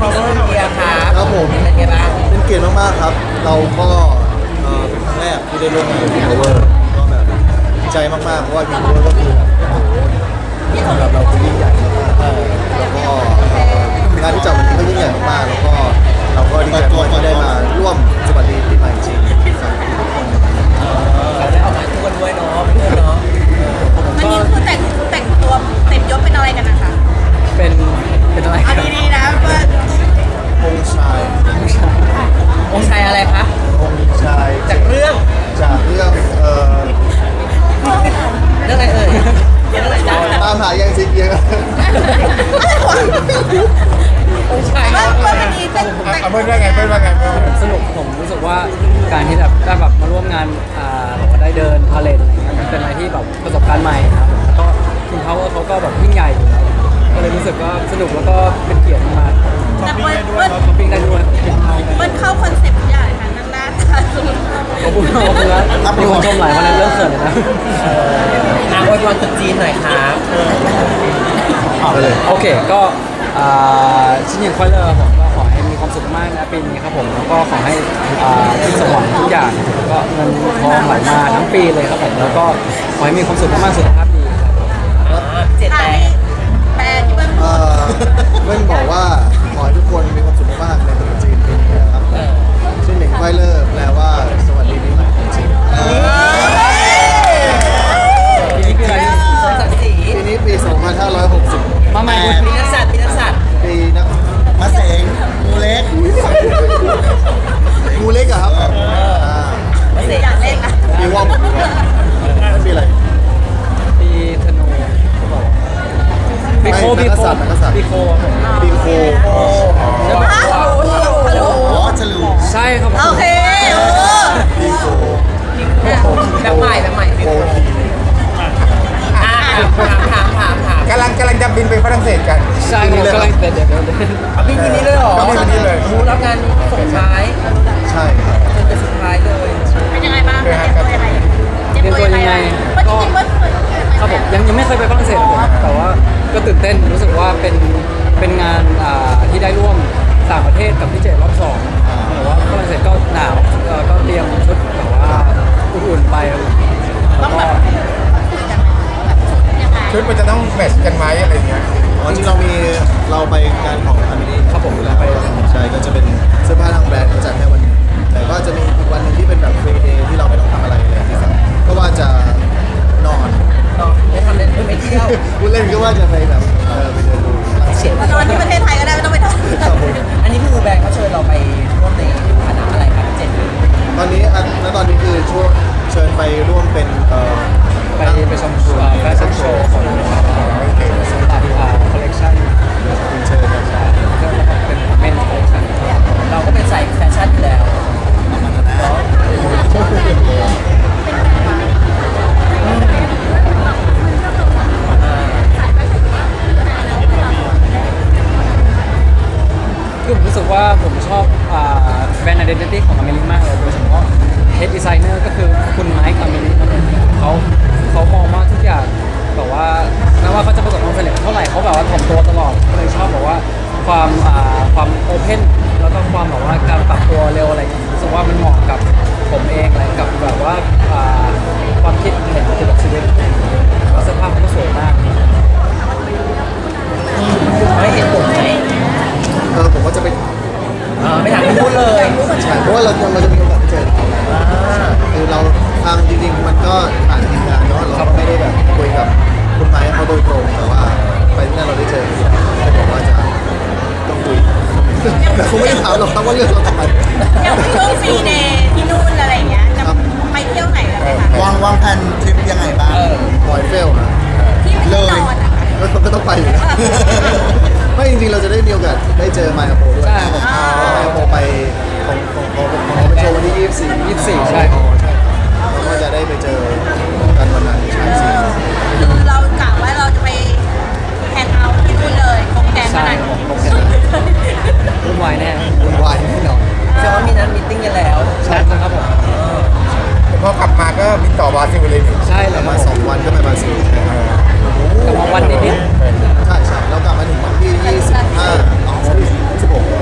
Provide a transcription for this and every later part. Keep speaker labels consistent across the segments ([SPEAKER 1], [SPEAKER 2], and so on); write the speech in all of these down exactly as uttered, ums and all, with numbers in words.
[SPEAKER 1] พาวเวอร์เมียครับ
[SPEAKER 2] ครับผม
[SPEAKER 1] เป็นไงบ้าง
[SPEAKER 2] เป็นเกียรติมากๆครับ เราก็เอ่อเป็นครั้งแรกที่ได้ร่วมงานกับ King Power ก็แบบดีใจมากๆเพราะว่า King Power ก็คือแบบโอ้โหสำหรับเราคือยิ่งใหญ่มากๆแล้วก็เอ่องานที่จัดวันนี้ก็ยิ่งใหญ่มากๆแล้วก็เราก็ดีใจมากที่ได้มาร่วมสวัสดีปีใหม่จริงครับ
[SPEAKER 1] เราได้ออกงานทุกวันด้วยเนาะเพื่อนเนาะ
[SPEAKER 3] วันนี้คือแต่งแต่งตัวเต็มยศเป็นอะไรกันนะคะ
[SPEAKER 4] เป็นเป็นอะไรค
[SPEAKER 3] เอา
[SPEAKER 4] รับ
[SPEAKER 3] ดีๆนะเพื่อน
[SPEAKER 2] องค์ชาย
[SPEAKER 1] องค์ชายอะไรคะ
[SPEAKER 2] องค์ชาย
[SPEAKER 1] จากเรื่อง
[SPEAKER 2] จากเรื่องเอ่อ
[SPEAKER 1] เรื่องอะไรเอ่ยเรื่องอะไรจ๊ะ
[SPEAKER 2] ตามหายังซิกเยอะ
[SPEAKER 1] องค์ชาย
[SPEAKER 3] เพื่
[SPEAKER 1] เนาะ
[SPEAKER 3] อนเพื่อนวันนี้แต่งแต่ง
[SPEAKER 5] เอาเพื่อนว่าไงเพื่อนว่าไงเพื่อน
[SPEAKER 4] สนุกผมรู้สึกว่าการที่แบบได้แบบมาร่วมงานอ่าแบบว่าได้เดินพาเลทอะไรเงี้ยมันเป็นอะไรที่แบบประสบการณ์ใหม่ครับแล้วก็คุณเขาเขาก็แบบยิ่งใหญ่อยู่แล้วก็เลยรู้สึกว่าสนุกแล้วก็เป็นเกียรติมาก
[SPEAKER 3] แต่เพื่อนเพื่อน
[SPEAKER 4] ช้อปปิ้งได้ด้วย
[SPEAKER 3] เพื่อนเข้าคอนเซ็ปต์ทุกอย่างค่ะนั่งหน้าตาสนุก
[SPEAKER 4] ขอบคุณขอบคุณนะมีคนชมหลายวันนั้นเริ่มเขินเลยนะ
[SPEAKER 1] อ่ะอวยพรตรุษจีนหน่อยครับ
[SPEAKER 2] เอาเลย
[SPEAKER 4] โอเคก็อ่าชิ้นยินควายเลอร์ผมก็ขอให้มีความสุขมากนะปีนี้ครับผมแล้วก็ขอให้อ่าที่สมหวังทุกอย่างก็เงินทองไหลมาทั้งปีเลยครับผมแล้วก็ขอให้มีความสุขมากๆสุขภาพดีครับ
[SPEAKER 1] อ่าเจ็ด
[SPEAKER 3] อ่า
[SPEAKER 1] แปด
[SPEAKER 3] นี่แปลที่เพื่อนพู
[SPEAKER 2] เอ่
[SPEAKER 3] ด
[SPEAKER 2] อเพื่อนบอกว่าขอให้ทุกคนมีความสุขมากๆในตรุษจีนปีนี้นะครับชื่อหนึ่งไฟเลอร์แปลว่าสวัสดีปีใหม่จริง
[SPEAKER 4] ปีนี้ปีอะไร
[SPEAKER 1] สองสามสี่
[SPEAKER 2] ปีนี้ปี สองพันห้าร้อยหกสิบ
[SPEAKER 4] มาใหม่
[SPEAKER 1] ปีนักสัตว์ปีนักสัตว์
[SPEAKER 2] ปีนักมะเสงงูเล็กงูเล็กอะครับอ่า
[SPEAKER 1] มาเสก
[SPEAKER 3] อยากเล่นนะ
[SPEAKER 2] ปีว่อมปีว่อมนั่นปีอะไร
[SPEAKER 4] ปีธนูเขาบอกปีโค
[SPEAKER 2] ไม่
[SPEAKER 4] ปี
[SPEAKER 2] นัก
[SPEAKER 4] โค
[SPEAKER 2] ษัตริย์นักษัตริย์
[SPEAKER 4] ปีโคครับผม
[SPEAKER 2] ปีโค
[SPEAKER 4] แล้วแบบ
[SPEAKER 3] ฮะ
[SPEAKER 4] ว่า
[SPEAKER 3] ทะลุทะลุ
[SPEAKER 2] อ๋อฉลู
[SPEAKER 4] ใช่ครับผม
[SPEAKER 3] โอเคเออ
[SPEAKER 2] ปีโค
[SPEAKER 1] แบบใหม่แบบใหม่
[SPEAKER 2] โคที
[SPEAKER 1] อ่าถามถามถามถาม
[SPEAKER 5] กำลังกำลังจะบินไปฝรั่งเศสกัน
[SPEAKER 4] ใช่ครับกำลังเดี๋ยวเดี๋ยวเดี๋ยว
[SPEAKER 1] เอาพี่ทีนี้เลยเหรอ
[SPEAKER 5] เอาพี่ทีนี้เลย
[SPEAKER 1] มูรับงานส่งท้าย
[SPEAKER 2] ใช่ครับ
[SPEAKER 1] จนเป็นสุดท้ายเลย
[SPEAKER 3] เป็นยังไงบ้างเตรียมตัวยังไงเตรียมตัวยังไงเมื่อจริงๆเมื่อเคย
[SPEAKER 4] ครับผมยังยังไม่เคยไปฝรั่งเศสผมแต่ว่าก็ตื่นเต้นรู้สึกว่าเป็นเป็นงานอ่าที่ได้ร่วมต่างประเทศกับพี่เจรอบสองแต่ว่าฝรั่งเศสก็หนาวเอ่อก็เตรียมชุดแบบว่าอุ่นๆไปแล้วก็
[SPEAKER 3] ยังไง
[SPEAKER 5] ชุดมันจะต้องแมทช์กันไหมอะไรเงี้ย
[SPEAKER 2] อ๋อจริงเรามีเราไปงานของอามินี
[SPEAKER 4] ครับผม
[SPEAKER 2] อยู่แล้ว
[SPEAKER 4] ไป
[SPEAKER 2] ใช่ก็จะเป็นเสื้อผ้าทางแบรนด์เขาจัดแค่วันนี้แต่ก็จะมีอีกวันหนึงที่เป็นแบบฟรีเดย์ที่เราไม่ต้องทำอะไรเลยที่ครับก็ว่าจะนอน
[SPEAKER 1] เนาะไม่ทำเล่นไม่เที่ยว
[SPEAKER 2] พูดเล่นก็ว่าจะไปแบบเออไปเดินดูฝรั่งเศส
[SPEAKER 3] นอนที่ประเทศไทยก็ได้ไม่ต้องไปทำ
[SPEAKER 2] ครับผม
[SPEAKER 1] อันนี้คือแบรนด์เขาเชิญเราไปร่วมในคณะอะไรครับเจ็ด
[SPEAKER 2] ตอนนี้อันณตอนนี้คือช่วงเชิญไปร่วมเป็นเอ่อ
[SPEAKER 4] ไปไปชมแฟชั่นโชว์ของตาดีอาร์คอลเลคชั่น
[SPEAKER 2] เชิญครับ
[SPEAKER 4] แล้วก็เป็นเมนคอลเลคชั่น
[SPEAKER 1] เราก็เป็นสายแฟชั่นอยู่แล้วเนาะ
[SPEAKER 4] คือผมรู้สึกว่าผมชอบอ่าแบรนด์ identity ของอเมริกมากเลยโดยเฉพาะ head designer ก็คือคุณไมค์อเมริกเขาเขามองว่าทุกอย่างแบบว่าแม้ว่าเขาจะประสบความสำเร็จเท่าไหร่เขาแบบว่าถ่อมตัวตลอดก็เลยชอบแบบว่าความอ่าความโอเพนแล้วก็ความแบบว่าการปรับตัวเร็วอะไรอย่างเงี้ยรู้สึกว่ามันเหมาะกับผมเองอะไรกับแบบว่าอ่าความคิดเห็นเกี่ยวกับชีวิตแล้วเสื้อผ้ามันก็สวยมาก
[SPEAKER 1] ไม่เห็นผมไหม
[SPEAKER 2] เออผมก็จะไป
[SPEAKER 1] อ่าไม่ถามพี่พูดเลย
[SPEAKER 2] ใช่เพราะว่าเราเราจะมีโอกาสได้เจอเขา
[SPEAKER 1] อ่า
[SPEAKER 2] คือเราทางจริงๆมันก็ผ่านทีมงานเนาะเราก็ไม่ได้แบบคุยกับคุณไม้เขาโดยตรงแต่ว่าไปที่นั่นเราได้เจอเขาบอกว่าจะต้องคุยแต่คงไม่ได้ถามหรอกครับว่าเรื่องเราทำไม
[SPEAKER 3] อย่างช่วงฟรีเดย์ที่นู่นอะไรอย่างเงี้ยจะไปเที่ยวไหนกันไหมคะ
[SPEAKER 6] วางวางแผนทริปยังไงบ้าง
[SPEAKER 1] เออ
[SPEAKER 2] ปล่อยเฟลนะ
[SPEAKER 3] ที่ไม่ได้นอนอะ
[SPEAKER 2] ก็ต้องก็ต้องไปอยู่แล้วไม่จริงๆเราจะได้มีโอกาสได้เจอไมอาโปด้วย
[SPEAKER 4] ใช่ผม
[SPEAKER 2] ไมอาโปไปของของของของเขาไปโชว์วันที่ยี่สิบสี่
[SPEAKER 4] ยี่สิบสี่ใช่
[SPEAKER 2] อ๋อใช่เราก็จะได้ไปเจอกันวันนั้นใช่สิ
[SPEAKER 3] คือเรากะว่าเราจะไปแฮงเอาท์ที่นู่นเลยคงแกงข
[SPEAKER 4] ใช่
[SPEAKER 3] นาด
[SPEAKER 4] ผม
[SPEAKER 3] นี้
[SPEAKER 4] ผมเห็นวุ่นวายแน่
[SPEAKER 2] วุ่นวายแน่นอน
[SPEAKER 1] แสดงว่ามีนัดมีตติ้งกันแล้ว
[SPEAKER 4] ใช่ครับผม
[SPEAKER 5] พอกลับมาก็บินต่อบราซิลเลยนี่
[SPEAKER 4] ใช่เล
[SPEAKER 2] ป
[SPEAKER 4] ย
[SPEAKER 2] ระ
[SPEAKER 4] ค
[SPEAKER 2] มา
[SPEAKER 4] รับ
[SPEAKER 2] ณ
[SPEAKER 4] ผ
[SPEAKER 2] สอง
[SPEAKER 4] ม
[SPEAKER 2] วันก็ไปบราซิล
[SPEAKER 4] แต่ว่าวันนิด
[SPEAKER 2] ใช่ใช่แล้วกลับมาถึงวันที่ยี่สิบห้าอ๋อยี่สิบหก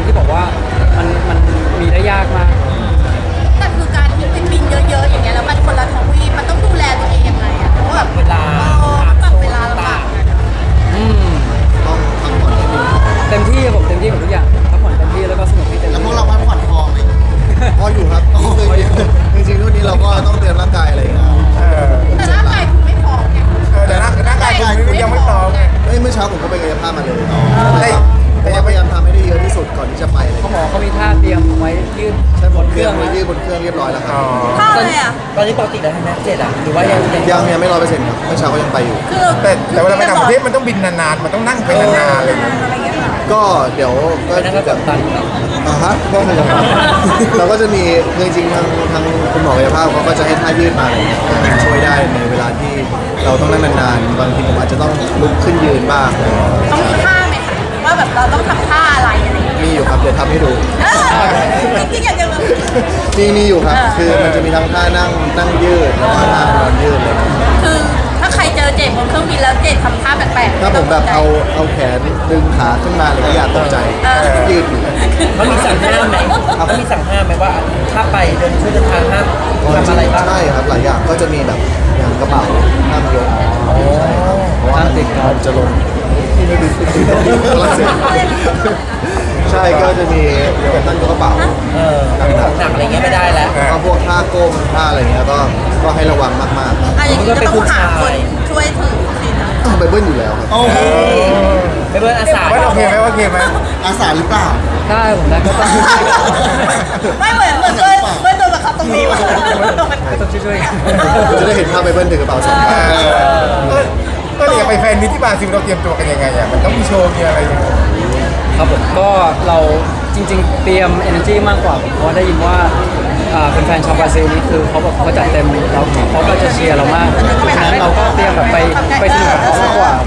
[SPEAKER 4] ที่บอกว่ามันมันมีได้ยากมาก
[SPEAKER 3] แต่คือการที่เป็นบินเยอะๆอย่างเงี้ยแล้วมันคนละทวีปมันต้องดูแลตัวเองยังไงอะเพราะว่าแบบ
[SPEAKER 1] เวลา
[SPEAKER 3] เออมันปรับเวลาลำบากอะ
[SPEAKER 4] อืม
[SPEAKER 2] ต้องพักผ่อนให้ดี
[SPEAKER 4] เต็มที่ผมเต็มที่กับทุกอย่างพักผ่อนเต็มที่แล้วก็สนุกที่เต็ม
[SPEAKER 6] แล้ว
[SPEAKER 4] ที่
[SPEAKER 6] พวกเราพักผ่อนพอไหม
[SPEAKER 2] พออยู่ครับจริงๆจริงๆรุ่นนี้เราก็ต้องเตรียมร่างกายอะไรอย่างเงี้ย
[SPEAKER 5] เออ
[SPEAKER 3] แต่ร่างกายคุณไม่พร้อมไง
[SPEAKER 5] เออแต่ร่างร่างกายคุณยังไม่พร้อมไง
[SPEAKER 2] เอ้ยเมื่อเช้าผมก็ไปกายภาพมาเลย
[SPEAKER 5] ได้
[SPEAKER 2] แต่ยังพยายามทำให้ได้เยอะที่สุดก่อนที่จะไปเลย
[SPEAKER 4] เขาบอกเขามีท่าเตรียมไว้ยืด
[SPEAKER 2] ใช่บนเค
[SPEAKER 4] เค
[SPEAKER 2] รื่
[SPEAKER 4] รื่
[SPEAKER 2] อ
[SPEAKER 4] อง ง
[SPEAKER 2] ไว้
[SPEAKER 4] นะ
[SPEAKER 2] ยืดบนเครื่องเรียบร้อยแล้วครั
[SPEAKER 5] อ๋
[SPEAKER 2] บ
[SPEAKER 5] อ
[SPEAKER 3] ท่าอะไรอะ
[SPEAKER 1] ตอนนี้ปกติแล้วทำแม็กเจ็ดอ่ะหรือว่ายังยัง
[SPEAKER 2] ยังยังไม่ร้อยเปอร์เซ็นต์ครับเมื่อเช้าก็ยังไปอยู่
[SPEAKER 3] คือเรา
[SPEAKER 5] แต่แต่เวลาไปต่างประเทศมันต้องบินนานๆมันต้องนั่งไปนานๆอะไรอย่างเงี้ย
[SPEAKER 3] อะไรเงี้ยค่ะ
[SPEAKER 2] ก็เดี๋ยวก็
[SPEAKER 1] ไปนั่งกับกัปตันครับ
[SPEAKER 2] อ่าฮะก็คงเราก็จะมีจริงๆทางทางคุณหมอกายภาพเขาก็จะให้ท่ายืดมาอะไรอย่างเงี้ยช่วยได้ในเวลาที่เราต้องนั่งนานๆบางทีผมอาจจะต้องลุกขึ้นยืนบ้าง
[SPEAKER 3] ต้องมีท่าไหมคะว่าแบบเราต้องทำท่าอะไรอะไรอย่างเงี้ย
[SPEAKER 2] มีอยู่ครับเดี๋ยวทำให้ดู
[SPEAKER 3] เออจริงๆอยากจะแบบ
[SPEAKER 2] มีมีอยู่ครับ
[SPEAKER 3] อ่า
[SPEAKER 2] คือมันจะมีทั้งท่านั่งนั่งยืดแล้วก็ท่านอนยืดเลย
[SPEAKER 3] คือถ้าใครเจอเจดบนเครื่องบินแล้วเจดทำท่าแปลกๆ
[SPEAKER 2] ถ้าผมแบบเอาเอาแขนดึงขาขึ้นมาเลยก็อย่าตกใจยืดอยู่
[SPEAKER 1] เขามีสั่งห้ามไหมเขามีสั่งห้ามไหมว่าถ้าไปเดินช่วยเดินทางห้ามทำอะไรบ้าง
[SPEAKER 2] ใช่ครับหลายอย่างก็จะมีแบบอย่างกระเป๋าห้ามยกเพราะว่ามันมันจะลงที่ไม่ดีฝรั่งเศสใช่ก็จะมีแบบตั้งกระเป๋า
[SPEAKER 1] เออของหนักอะไรเงี้ยไม่ได้แล้ว
[SPEAKER 2] แล้วก็พวกท่าก้มท่าอะไรเงี้ยก็ก็ให้ระวังมากๆ
[SPEAKER 3] อ่ะอย่างนี้ก็ต้องหาคนช่วยถือสินะ
[SPEAKER 2] ต้องไปเบิ้ลอยู่แล้วครับ
[SPEAKER 6] โอ้โห
[SPEAKER 1] ไปเบิร์นอาสา
[SPEAKER 5] ว่าโอเคไหมโอเคไหม
[SPEAKER 6] อาสาหรือเปล่า
[SPEAKER 4] ได้ผมได้ก็ต้อง
[SPEAKER 3] ไม่เหมือนเหมือนเพื่อนเพื่อนโดนบังคับตรงนี้ว่ะ
[SPEAKER 4] ก็ต้องช่วยๆกัน
[SPEAKER 2] จะได้เห็นภาพไปเบิ้ลถือกระเป๋าสองใบ
[SPEAKER 5] เออก็เลยอยากไปแฟนมิตรที่บราซิลเราเตรียมตัวกันยังไงอ่ะมันต้องมีโชว์มีอะไรอย่างเงี้ย
[SPEAKER 4] ครับผมก็เราจริงๆ เตรียม energy มากกว่าเพราะว่าได้ยินว่าอ่าเป็นแฟนชาวบราซิลนี่คือเขาแบบเขาจัดเต็มเราเขาก็จะเชียร์เรามากฉะนั้นเราก็เตรียมแบบไปไปสนุกกับเขามากกว่า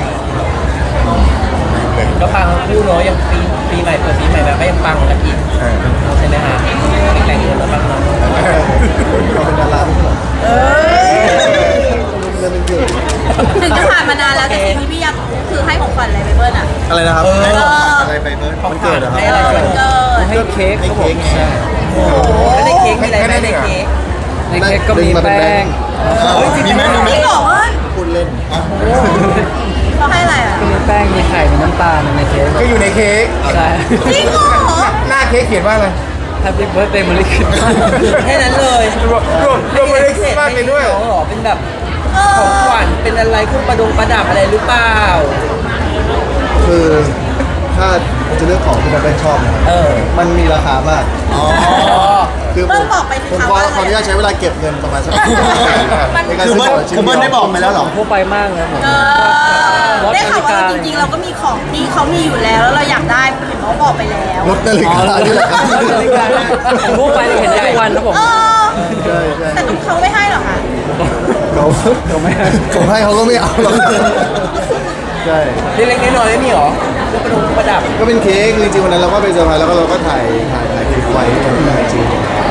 [SPEAKER 1] ก็ปังทั้งคู่เนาะยังปีปีใหม่เปิดปีใหม่แบบก็ยังปังกันอีก
[SPEAKER 5] เออ
[SPEAKER 1] ใช่ไหมฮะแต่งเงินแล้วปังเนาะ
[SPEAKER 2] เราเป็นดาราไม่ใช่เหรอ
[SPEAKER 3] เอ้ย
[SPEAKER 2] เรื่องเป็นเกิด
[SPEAKER 3] ถึงจะผ่านมานานแล้วแต่สิ่งที่พี่อยากคือให้ของขวัญอะไรไปเบิ้ลอ่ะ
[SPEAKER 2] อะไรนะครับ
[SPEAKER 6] อะไรไปเบิร์ด
[SPEAKER 1] ของ
[SPEAKER 2] มันเกิดเหรอครับ
[SPEAKER 1] ให้อะไร
[SPEAKER 3] เออ
[SPEAKER 1] ก่อน
[SPEAKER 3] วันเกิด
[SPEAKER 4] ให้เค้กครับผม
[SPEAKER 2] ให้เค้ก
[SPEAKER 4] ใช่
[SPEAKER 1] โอ้โหไม่ได้เค้กมีอะไรไหมในเค้ก
[SPEAKER 4] ในเค้กก็มีแป้ง
[SPEAKER 6] มีไหมมีไหม
[SPEAKER 3] พี่บอกว่า
[SPEAKER 2] พูดเล่น
[SPEAKER 3] เขาให้อะไรอ่ะ
[SPEAKER 4] ก็มีแป้งมีไข่มีน้ำตาลในเค้ก
[SPEAKER 5] ก็อยู่ในเค้ก
[SPEAKER 4] ใช่
[SPEAKER 3] จริงเหรอ
[SPEAKER 5] หน้าเค้กเขียนว่าอะไร
[SPEAKER 4] Happy birthday Merry Christmas
[SPEAKER 1] แค่นั้นเลย
[SPEAKER 5] รวมรวมรวมอะไรคริสต์มาสไปด้วย
[SPEAKER 1] น้องเหรอเป็นแบบ
[SPEAKER 3] เอ
[SPEAKER 1] ของ
[SPEAKER 3] อ
[SPEAKER 1] ขวัญเป็นอะไรเครื่องประดงประดับอะไรหรือเปล่า
[SPEAKER 2] คือถ้าจะเลือกของที่มันเป็นชอบนะครับ
[SPEAKER 1] เออ
[SPEAKER 2] มันมีราคามาก
[SPEAKER 1] อ๋อ
[SPEAKER 2] คือผมผมขอขออนุญาตใช้เวลาเก็บเงินประมาณสักในการ
[SPEAKER 6] คือ
[SPEAKER 2] ซื้อ
[SPEAKER 6] เบิ
[SPEAKER 2] ข
[SPEAKER 6] ร์
[SPEAKER 2] อง
[SPEAKER 6] ด
[SPEAKER 2] ชิ้น
[SPEAKER 6] คือเบิร์ด
[SPEAKER 2] เดี
[SPEAKER 6] ได้
[SPEAKER 2] ยว
[SPEAKER 6] บอกไปแล้วเหรอ
[SPEAKER 4] ทั่วไปมากเลยผม
[SPEAKER 3] เออได้ข่าวว่าเราจริงๆเราก็มีของที่เขามีอยู่แล้วแล้วเราอยากได้เห็นเขาบอกไปแล้ว
[SPEAKER 2] รถนาฬิ
[SPEAKER 4] อ๋อก
[SPEAKER 2] านี่แหละครับ
[SPEAKER 4] นาฬิกาผมทั่วไปเลยเห็นได้ทุกวันครับผม
[SPEAKER 3] เออ
[SPEAKER 2] ใช่ใช่
[SPEAKER 3] แต่เขาไม่ให้หรอกค่ะ
[SPEAKER 2] เขา
[SPEAKER 4] ผมไม่ให้
[SPEAKER 2] ผมให้เขาก็ไม่เอาหรอกใช่
[SPEAKER 1] เล็กๆน้อยๆไม่มีหรอเครื่องประดงประดับ
[SPEAKER 2] ก็เป็นเค้กคือจริงๆวันนั้นเราก็ไปเซอร์ไพรส์แล้วก็เราก็ถ่ายถ่ายถ่ายคลิปไว้ลงในไอจี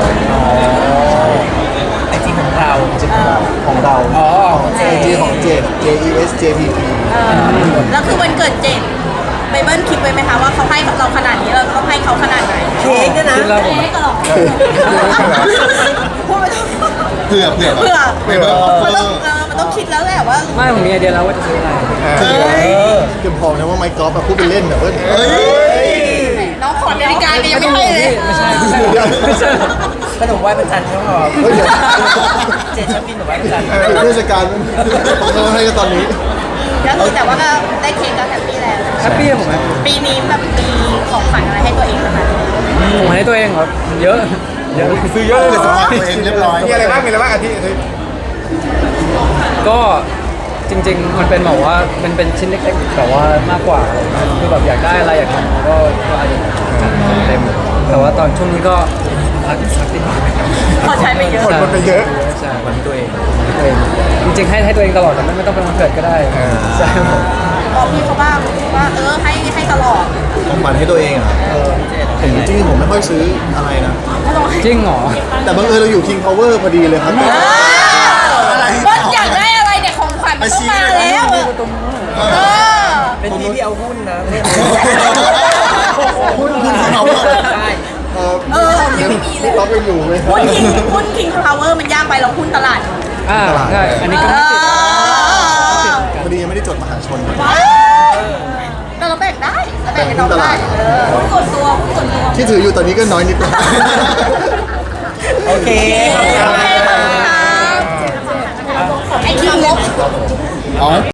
[SPEAKER 1] ไอจีของเรา
[SPEAKER 2] ของเรา
[SPEAKER 1] อ๋อของเจ
[SPEAKER 2] ไอจีของเจด J E S J P P
[SPEAKER 3] เออแล้วคือวันเกิดเจ็ดไบเบิลคิดไว้ไหมคะว่าเขาให้เราขนาดนี้เราต้องให้เขาขนาดไหน
[SPEAKER 1] เค้กเนี่ยนะ
[SPEAKER 4] คิดแล้วผม
[SPEAKER 3] เค้กก็หรอพูดไปเถอะ
[SPEAKER 6] เผื่อเผื่อ
[SPEAKER 3] เผื่อ
[SPEAKER 6] ไปเบิร์ด
[SPEAKER 3] มันต้องเออมันต้องคิดแล้วแหละว่า
[SPEAKER 4] ไม่ผมมีไอเดียแล้วว่าจะซื้ออะไร
[SPEAKER 1] เออ
[SPEAKER 2] เกือบบอกนะว่าไมค์กอล์ฟแบบพูดเป็นเล่นแบบว่า
[SPEAKER 6] เฮ้ย
[SPEAKER 3] น้องขอนาฬิกาแกยังไม่ให้เลย
[SPEAKER 4] ไม่ใช่ไม่ใช่ไม่ใช่
[SPEAKER 1] ขนมไหว้พระจันทร์ก็พอ
[SPEAKER 2] เฮ้ยเดี๋ยว
[SPEAKER 1] เจนชอบกินขนมไหว้พระจันทร์
[SPEAKER 2] เทศกาลผมก็ให้กันตอนนี้
[SPEAKER 3] แล้วคือแต่ว่าก็ได้เค้กก็แฮปปี้แล้ว
[SPEAKER 4] แฮปปี้ผมไหม
[SPEAKER 3] ปีนี้แบบมีของขวัญอะไรให้ตัวเองนะคะ
[SPEAKER 4] ผมให้ตัวเองเหรอเยอะเยอะ
[SPEAKER 5] ซื้อเยอะเลย
[SPEAKER 6] เดี๋ยวสำหรับตัวเองเรียบร้อย
[SPEAKER 5] มีอะไรบ้างมีอะไรบ้างอาทิตย์อาทิตย์
[SPEAKER 4] ก็จริงๆ มันเป็นแบบว่าเป็นเป็นชิ้นเล็กๆแต่ว่ามากกว่าคือแบบอยากได้อะไรอยากทำก็ก็อาจจะจัดเต็มแต่ว่าตอนช่วงนี้ก็พักสักนิดหน่อย
[SPEAKER 3] พอใช้ไปเยอะ
[SPEAKER 5] คนมันไปเยอะ
[SPEAKER 4] ใช่วันตัวเองตัวเองจริงๆให้ให้ตัวเองตลอดแต่ไม่ไม่ต้องเป็นวันเกิดก็ได้ใช่ครับผม
[SPEAKER 3] บอกพี่เขาบ้างว่าเออให้ให้ตลอด
[SPEAKER 2] ของขวัญให้ตัวเองอ่ะผมจริงๆผมไม่ค่อยซื้ออะไรนะ
[SPEAKER 4] จริงเหรอ
[SPEAKER 2] แต่บังเอิญเราอยู่ King Power พอดีเลยครับ
[SPEAKER 6] อะไร
[SPEAKER 3] ว่าอยากได้อะไรเนี่ยของขวัญมันต้องมาแล้วเออ
[SPEAKER 1] เป็นพี่ที่เอาหุ้นนะ
[SPEAKER 2] หุ้นหุ้นเขา
[SPEAKER 1] ใช่
[SPEAKER 2] เออ
[SPEAKER 3] เออยังไม่มีเลย
[SPEAKER 2] เรายังอยู่ไหม
[SPEAKER 3] หุ้นคิงหุ้นคิงพาวเวอร์มันยากไปเราหุ้นตลาด
[SPEAKER 4] อ่าใช่อันนี้ก็
[SPEAKER 3] เอ
[SPEAKER 4] ไม่ติด
[SPEAKER 3] อ
[SPEAKER 2] พอดียังไม่ได้จดมหาชน
[SPEAKER 3] แต่เราแบ่งได้เราแบ่งให้น้องได้เออหุ้นส่วนตัวหุ้นส่วนตัว
[SPEAKER 2] ที่ถืออยู่ตอนนี้ก็น้อยนิดนึง
[SPEAKER 1] โอเค
[SPEAKER 3] ไอ้คิงงบ
[SPEAKER 6] อ๋อ